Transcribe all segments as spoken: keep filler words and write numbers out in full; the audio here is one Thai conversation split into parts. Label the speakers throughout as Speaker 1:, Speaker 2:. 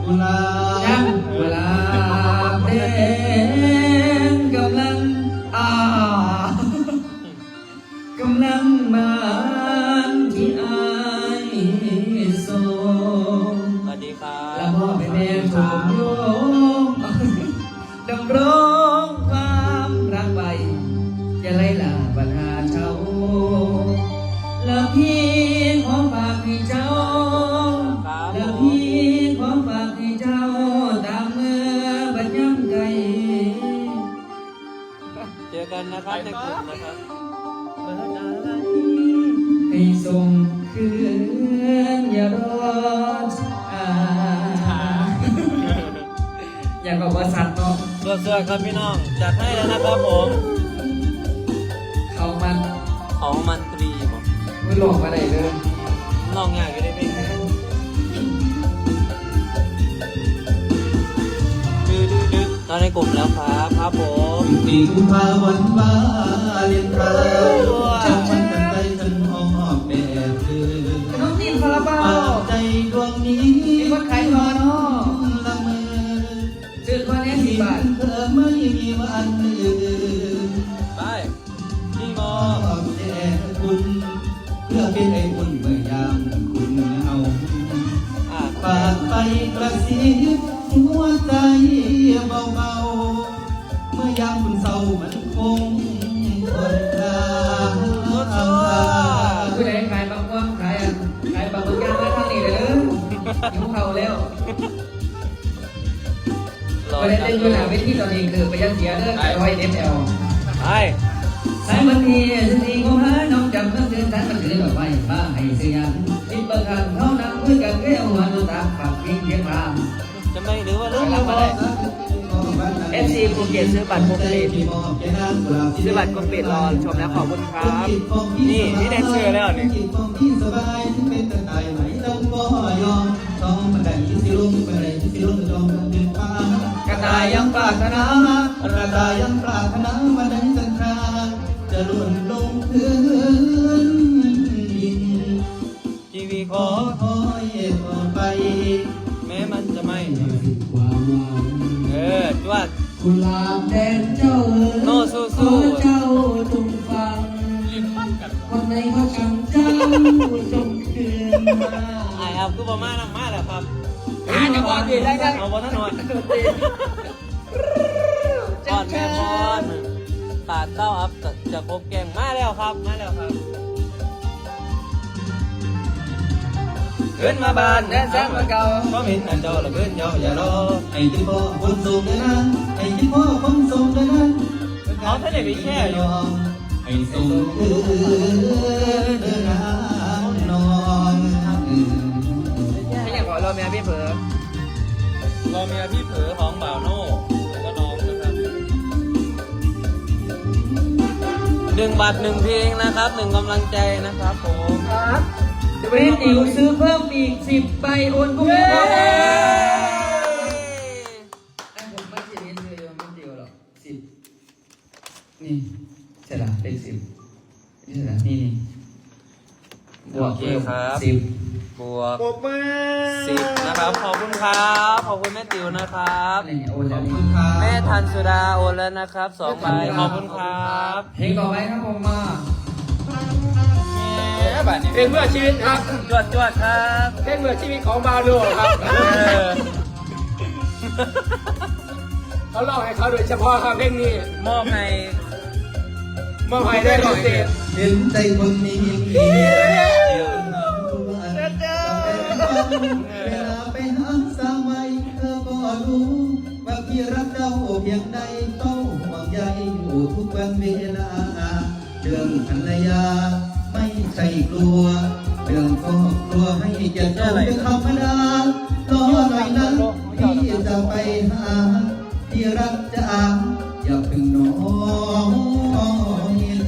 Speaker 1: กุหลาบ
Speaker 2: กุหลาบแดงกำลังอ่ากำลังมาที่อายโซ
Speaker 3: สวัสดีครับ
Speaker 2: และพ่อเป็นแม่ชมโยมดำรงความรักไปจะไล่ล่าปัญหาเช่าแล้วพี่ขอฝากให้เจ้าแล้วพี่ขอฝากให้เจ้าตามเมื่อบัดย่ำไกล
Speaker 3: เจอกันนะครับในกลุ่มนะครับ
Speaker 2: ให้ส่งคืนอย่ารอช้าอยากบอกว่าสัตว์เนาะ
Speaker 3: เสื้อครับพี่น้องจัดให้แล้วนะครับผม
Speaker 2: เขามัน
Speaker 3: ของมันตรีผม
Speaker 2: ไม่หลอกมาไหนเลย
Speaker 3: น้องอยากอยู่ในเพลงดื้อดื้อดื้อตอนในกลุ่มแล้วครับครับผม
Speaker 1: ปีกุมภาวันวาเลียนไทยจับมันกันไปทั้งห้องแดดเดือด
Speaker 2: น้องจีนคาราบา
Speaker 1: วใจดวงนี้
Speaker 2: มีคนขายทอเนาะ
Speaker 1: ละเมอ
Speaker 2: ซื้อคนนี้สิบบาท
Speaker 1: เธอไม่มีวันลืม
Speaker 3: ไปพี่มอ
Speaker 1: แต่คุณเพื่อเป็นไอ้อุ่นเมื่อยามคุณเอาฝากไปกระซิบหัวใจเบาๆเมื่อยามคุณเศร้ามันคงทนทาน
Speaker 2: ผู้ใดขายบางว่างขายอ่ะขายบางบางอย่างมาทางนี้เลยหิวเข่าแล้วประเด็นเรื่องหนาเวทีตอนนี้คือไปยังเสียเรื่องร้อยเอฟเอล
Speaker 3: ไป
Speaker 2: สายบันทีสิทีของหาน้องจำต้องเดินทางมันถือดอกไม้บ้าให้เสียงติดประกันเท่านั้นเพื่อกันแก้วหัวนุตาปากพิงเพียงราม
Speaker 3: จะไม่หรือว่าเรื่อง
Speaker 2: อะไรเอฟซีภูเก็ตซื้อบัตรครบเลทซื้อบัตรครบเลทรอชมแล้วขอบคุณครับนี่นี่ได้เสื้อแล้วนี่กระต่ายยังปรารถนาก
Speaker 1: ระต่ายยังปรารถนามาดังจันทราจะล่วงลงพื้นดิน
Speaker 3: ชีวิตขอ
Speaker 1: คอยต่อไป
Speaker 3: แม้มันจะไม่
Speaker 2: ความหวัง
Speaker 3: เออจวด
Speaker 2: กุหลาบแดงเจ้า
Speaker 3: โน่สู้สู้
Speaker 2: เจ้าจงฟังคนในเขาจำเจ้าจงคืนมา
Speaker 3: ไอ้ครับคือประมาณนั้นมาแล้วครับ
Speaker 2: อ่าจะบอกดีได้กัน
Speaker 3: เอาบอลถนนก่อนแม่บอลตาเต้าอัพจะครบแกงมาแล้วครับมาแล้วครับ
Speaker 2: ขึ้นมาบ้านแดนแซงมาเก่า
Speaker 1: เพราะเห็นอันเจ้าละเกินเจ้าอย่ารอไอ้ที่พ่อคนส่งเลยนะไอ้ที่พ่อคนส่งเลยนะ
Speaker 3: เขาท่านไหนไปแค่อยู่
Speaker 1: ไอ้ส่งเดินเดินน้ำนอง
Speaker 2: ไม่อยากบอกรอเมียพี่เผลอ
Speaker 3: รอเมียพี่เผลอของบ่าวโน่แล้วก็น้องนะครับหนึ่งบาทหนึ่งเพลงนะครับหนึ่งกำลังใจนะครับผม
Speaker 2: ครับจะไปให้ติ๋วซื้อเพิ่มอีกสิบใบโอนกุ้งทองไอ้ผมไม่จะเรียนเลยไม่เดียวหรอกสิบนี่ใช่ละเป็นสิบนี่ใช่ละนี่นี่บวกเพิ่มสิบบ
Speaker 3: วกสิบนะครับขอบคุณครับขอบคุณแม่ติ๋วนะครับแม่ทันสุดาโอนแล้วนะครับสองใบขอบคุณครับ
Speaker 2: เพลงต่อไปครับผมมา
Speaker 4: เพลงเพื่อชีวิตครับ
Speaker 3: จวดจวดครับ
Speaker 4: เพลงเพื่อชีวิตของบาโลครับเขาเล่าให้เขาโดยเฉพาะครับเพลงนี้
Speaker 3: มอบให้
Speaker 4: มอบให้ได้พิเศษ
Speaker 1: เห็นใจคนนี้เวลาไปหาสาวใหม่เธอก็รู้ว่าพี่รักเจ้าเพียงใดต้องห่วงใยอยู่ทุกวันเวลาเรื่องภรรยาไม่ใช่กลัวเรื่องครอบครัวให้เกียรติเจ้าเป็นธรรมดารอหน่อยนะพี่จะไปหาที่รักจะอ่านอย่าเพิ่งน้อยใจ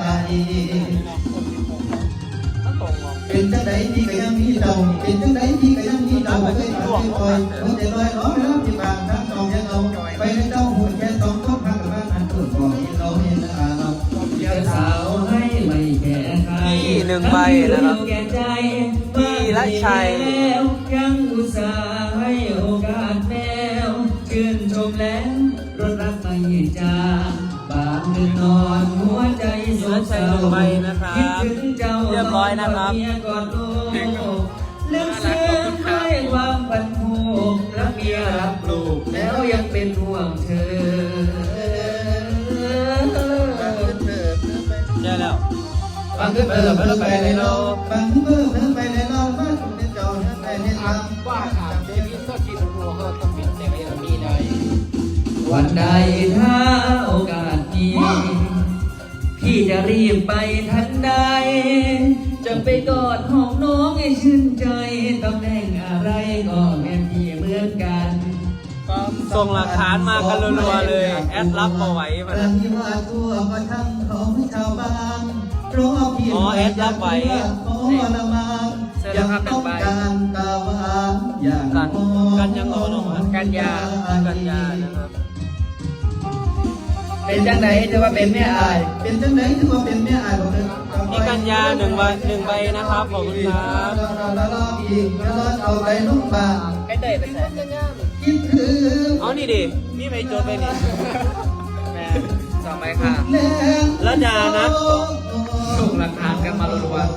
Speaker 1: เป็นจังใดที่ก็ยังมีเจ้าเป็นจังใดที่ก็ยังมีเจ้าไม่เคยขาดไม่คอยหัวใจลอยล้อแล้วที่บางทั้งสองยังเอาไปในเจ้าหุ่นแค่สองก็พังกันอันตัวบอกที่เราเห็นอาเรา
Speaker 2: เจ้าสาวให้ไม่แก่ใคร
Speaker 3: ที่หนึ่งใบนะครับ
Speaker 2: แก่ใจ
Speaker 3: พี่ละชัย
Speaker 2: ยังอุตส่าห์ให้โอกจางบางคืนนอนหัวใจโศกเศร้า
Speaker 3: ไปนะครับ
Speaker 2: คิดถึงเจ้า
Speaker 3: เรียบร้อยนะครับ
Speaker 2: เมียกอดลูกลึกซึ้งด้วยความพันผูกรักเมียรักลูกแล้วยังเป็นห่วงเธอ
Speaker 3: ใช่แล้ว
Speaker 1: บางคืนเพิ่มเพิ่มไปในเราบางคืนเพิ่มเพิ่มไปในเราบ้านคุณในเจ้าเพิ่มไปในเรา
Speaker 4: ว่าถามเดวิดก็กินโรเขาต้องเป็นแต่ไม่มีได้
Speaker 2: วันใดถ้าโอกาสมีพี่จะรีบไปทันใด จะไปกอดหอมน้องให้ชื่นใจตำแหน่งอะไรก็แม่พี่เหมือนกัน
Speaker 3: ส่งหลักฐานมากันรัวๆเลย แอดรับมาไว้มา
Speaker 1: เรื่องที่ว่าทั่วก็ทั้งของชาวบ้านรอพี่
Speaker 3: อ๋อแอดรับไว้
Speaker 1: ขอละมางยังต้องการตาหวานอย่าง
Speaker 3: กัน
Speaker 1: มอง
Speaker 3: กันยังเอาลงมา
Speaker 2: กันยา
Speaker 3: กันยานะครับ
Speaker 2: เป็นจังไหนถือว่าเป็นแม่อาย
Speaker 1: เป็นจังไหนถือว่าเป็นแม่อายบอกเลย
Speaker 3: นี่กันยาหนึ่งใบหนึ่งใบนะครับขอบคุณครับ
Speaker 1: แล้วรออีกแล้วรอเอาไปนุ่งบาง
Speaker 2: ไม่เตยไปใส่
Speaker 1: คิดถึง
Speaker 3: เอานี่ดินี่ไปโจทย์ไปนี่
Speaker 2: แม่สองใบค่ะ
Speaker 3: ระดานัท
Speaker 2: ส่งหลักฐานกันมารัว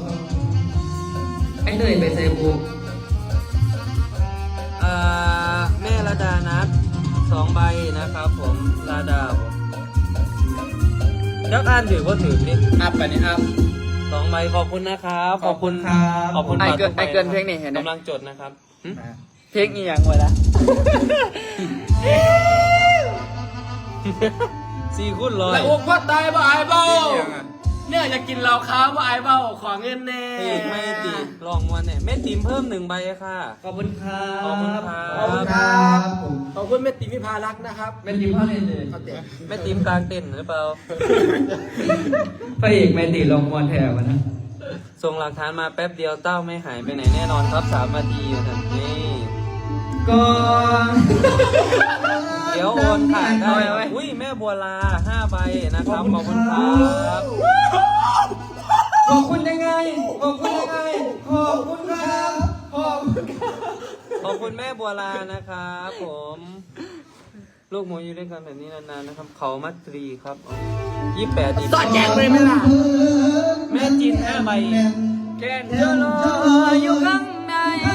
Speaker 2: ๆไม่เตยไปใส่บู
Speaker 3: อ่าแม่ระดานัทสองใบนะครับผมระดาผมยักษ์อ่านถือว่าถือนี่
Speaker 4: อัพไปนี่อัพ
Speaker 3: สองใบขอบคุณนะครับขอบคุณ
Speaker 1: ครับ
Speaker 3: ขอบคุณ
Speaker 4: ไอ้เกิน
Speaker 3: ฝา
Speaker 4: ไอ้เกิน
Speaker 3: ทุใบ
Speaker 4: เพลงนี่เห็นไหม
Speaker 3: กำลังจดนะครับหึ
Speaker 4: เพลงอีหยังไว้ละ
Speaker 3: สี่คูณร้อย
Speaker 4: แล้วอกว่าตายบ่อายเบ้าเนี่ยอยากกินเหล้าขาวบ่อายเบ้าขอเงินแน่
Speaker 3: อีกไม่ตีลองมวนเนี่ยแม่ติ๋มเพิ่มหนึ่งใบค่ะ
Speaker 2: ขอบคุณครับ
Speaker 3: ขอบคุณครั
Speaker 1: ขอบคุณ
Speaker 3: บ
Speaker 1: ครับผม
Speaker 4: ขอบคุณแม่ติ๋มพิพารักษ์นะครับ
Speaker 2: เป็นทีมพ่อเล่นเลย
Speaker 4: เขาเตะ
Speaker 3: แม่ติ๋มกลางเต้นหรือเปล่า
Speaker 2: พระเอกแมนตีลงมอนแถวนะ
Speaker 3: ส่งหลักฐานมาแป๊บเดียวเต้าไม่หายไปไหนแน่นอนครับสามนาทีอยู่ทันนี่
Speaker 2: ก็
Speaker 3: เดี๋ยวโอนค่ะได้อุ้ยแม่บัวลาห้าใบนะครับขอบคุณครับ
Speaker 2: ขอบคุณยังไง ขอบคุณยังไง ขอบคุณครับขอบคุณครับ
Speaker 3: ขอบคุณแม่บัวลานะครับผมลูกหมูอยู่ด้วยกันแบบนี้นานๆนะครับ เขามัตรีครับยี่สิบแปดดี
Speaker 4: สอดแจงเลยไหมล่ะ
Speaker 3: แม่จีนห้าใบ
Speaker 4: แกนเจอรออยู่ข้างใน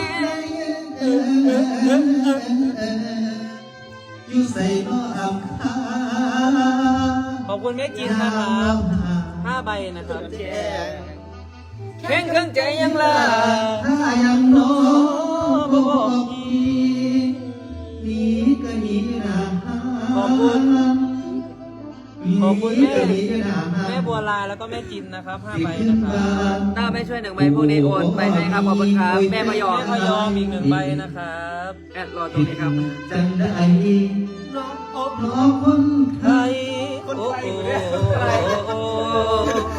Speaker 1: อยู่ใส่น้ออำคา
Speaker 3: ขอบคุณแม่จีนนะครับห้าใบนะครับเพลงเครื่องใจยังล่ะ
Speaker 1: ถ้ายังน้อบอกพี่หนีก็หนีนะ
Speaker 3: ขอบคุณขอบคุณแม่
Speaker 1: หนีก็หนีนะ
Speaker 3: แม่บัวลาแล้วก็แม่จินนะครับห้าใบนะครับ
Speaker 2: ถ้าไม่ช่วยหนึ่งใบพวกนี้โอนไปให้ครับ ขอบคุณครับ แม่พยอม
Speaker 3: แม่พยอมอีกหนึ่งใบนะครับ
Speaker 2: แอดรอตรงนี้ครับ
Speaker 1: จังได้รออบรอคนไท
Speaker 3: ไท
Speaker 1: ย
Speaker 3: ยโอ้โหโอ้โหโอ้โห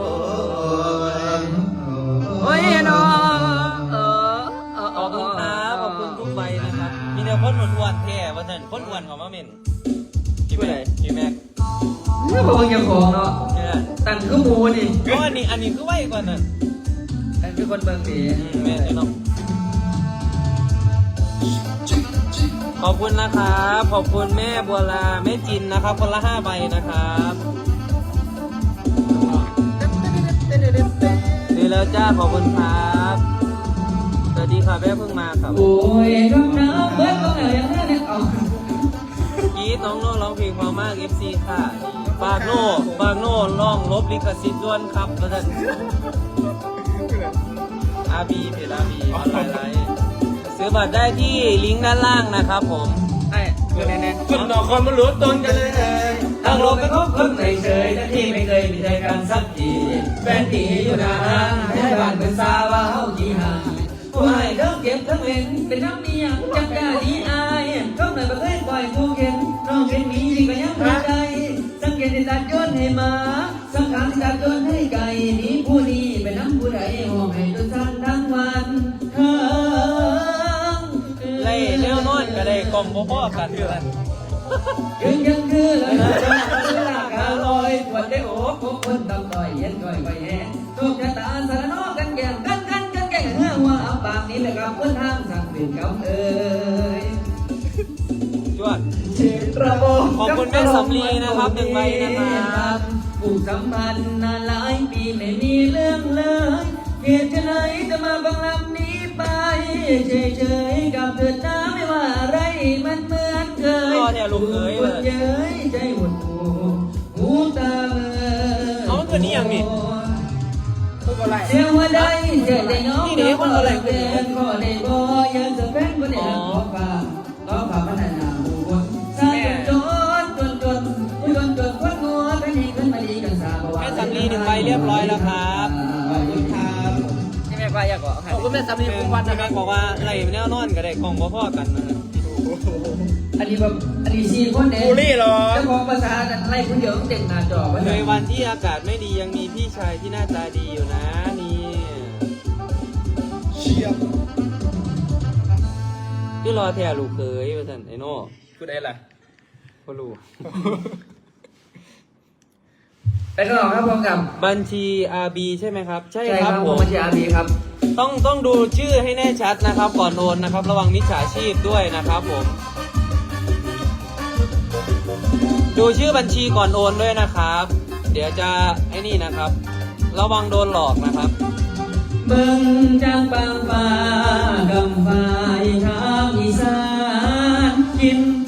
Speaker 2: โอ้ยน้องเออเออ
Speaker 3: ขอบคุณครับขอบคุณทุกใบนะครับมีแต่คนอ้วนๆแท้ว่าแต่นคนอ้วนของมาเม่นพี่แม็กพี่แม็ก
Speaker 2: นี่พวกยังของเนาะ
Speaker 3: เนี่ย
Speaker 2: ตั้งคือหมูนี่
Speaker 3: เพราะอันนี้อันนี้คือไวกว่านั้น
Speaker 2: ตั้งคือคนเบิ่งดี
Speaker 3: อืมแม่นเนาะขอบคุณนะครับขอบคุณแม่บัวลาแม่จินนะครับคนละห้าใบนะครับดีแล้วจ้าขอบคุณครับสวัสดีค่ะแม่เพิ่งมาครับ
Speaker 2: โอ้ยน้ำน้ำเบิ้ลก็เหนื่อยยังไงเนี่ยเอา
Speaker 3: กรีดน้องโน่ร้องเพลงเพอมาก เอฟ ซี ค่ะฝากโน่ฝากโน่ร้องลบลิขสิทธิ์ด้วนครับแล้วท่านอาบีเพจอาบีออนไลน์ไลฟ์ซื้อบัตรได้ที่ลิงก์ด้านล่างนะครับผม
Speaker 2: ไอ้คือแน่ๆ
Speaker 4: คุณดอกคนมันรู้ตนกันเลย
Speaker 2: ตั้งโลกไปคบคนไม่เฉยแต่ที่ไม่เคยมีใจกันสักทีแฟนตีอยู่นานให้บ้านเป็นสาวาเฮาจีห่างผู้ให้ทั้งเก็บทั้งเล่นเป็นน้ำเมียจังกล้าดีอายก็เหมือนประเภทปล่อยผู้เข็นน้องเป็นมีก็ยังหัวใจสังเกตที่ตัดย้อนให้มาสังขารที่ตัดย้อนให้ไก่นี้ผู้นี้เป็นน้ำผู้ใดห้องให้จนสั้นทั้งวันเธอ
Speaker 3: ไล่เร็วนอนก็ได้กล่อมพ่อๆกันเพื่อน
Speaker 2: ยืนยังคือเลยนะจ๊ะเวลากาลอยปวดได้โอ้พวกคนตำต่อยเย็นก่อยไปแห่โชคชะตาสารนอกันแก่กันกันกันแก่เมื่อว่าอับปากนี้แหละครับเพื่อนทางสั่งเป็นกำเอ่ย
Speaker 3: จวด
Speaker 2: เชิญไรระโบ
Speaker 3: ขอบคุณแม่สำลีนะครับหนึ่งใบนะครับ
Speaker 2: ผูกสัมพันธ์นานหลายปีไม่มีเรื่องเลยเหตุไฉนจะมาบังลำนี้ไปเฉยๆกับเกิดน้ำไม่ว่าอะไรมันเหมือนเคย
Speaker 3: รอเนี่ยลูกเอ๋ย
Speaker 2: ปวดเย้ยใจหดหูหูตาเมื่อ
Speaker 3: เอามันเกิดนี่ยังนี่
Speaker 2: เสียงว่าได้เจอได้น้องเด็กคนอะไรเกินก็ได้บ่ยังจะเป็นคนเดียวขอฟ้าขอฟ้าพัฒนาบุคคลสร้างจนจนจนจนจนคนงัวเป็นให้ขึ้นมาดีกันสาบ
Speaker 3: แม่สำลีหนึ่งใบเรียบร้อยแล้วครับ
Speaker 1: ขอบคุณครับ
Speaker 2: ที่แม่ป้าอยากบอก
Speaker 4: ขอบคุณแม่สามีคุ้มวัน
Speaker 3: แม่
Speaker 4: นะครับ
Speaker 3: บอกว่าอะไรแนวนอนก็ได้กล่องพ่อๆกันนะครับ
Speaker 2: อันนี้แบบอันนี้สี่คนเอง
Speaker 4: บูลลี่เหรอ
Speaker 2: เจ้าของภาษาอะไรคนเดียวเด็กหน้าจอไว้
Speaker 3: เคยวันที่อากาศไม่ดียังมีพี่ชายที่หน้าตาดีอยู่นะนี่
Speaker 1: เชียบ
Speaker 3: ที่รอแทลูกเคยว่าสันไอโน่
Speaker 4: พูดอะไรล่ะ
Speaker 3: พ่อลูก
Speaker 2: ไปกันต่อครับพร้อมกับ
Speaker 3: บัญชี อาร์ บี ใช่ไหมครับ ใช่
Speaker 2: ใช่
Speaker 3: ค
Speaker 2: ค
Speaker 3: รั
Speaker 2: รั
Speaker 3: บบ ผ
Speaker 2: ผม
Speaker 3: ม
Speaker 2: บัญชีอาร์บีครับ
Speaker 3: ต้องต้องดูชื่อให้แน่ชัดนะครับ ก่อนโอนนะครับ ระวังมิจฉาชีพด้วยนะครับผม ดูชื่อบัญชีก่อนโอนด้วยนะครับ เดี๋ยวจะไอ้นี่นะครับ ระวังโดนหลอกนะครับ
Speaker 2: เบิ่งจางบางฟ้ากำฟ้ายทางอีสานกิน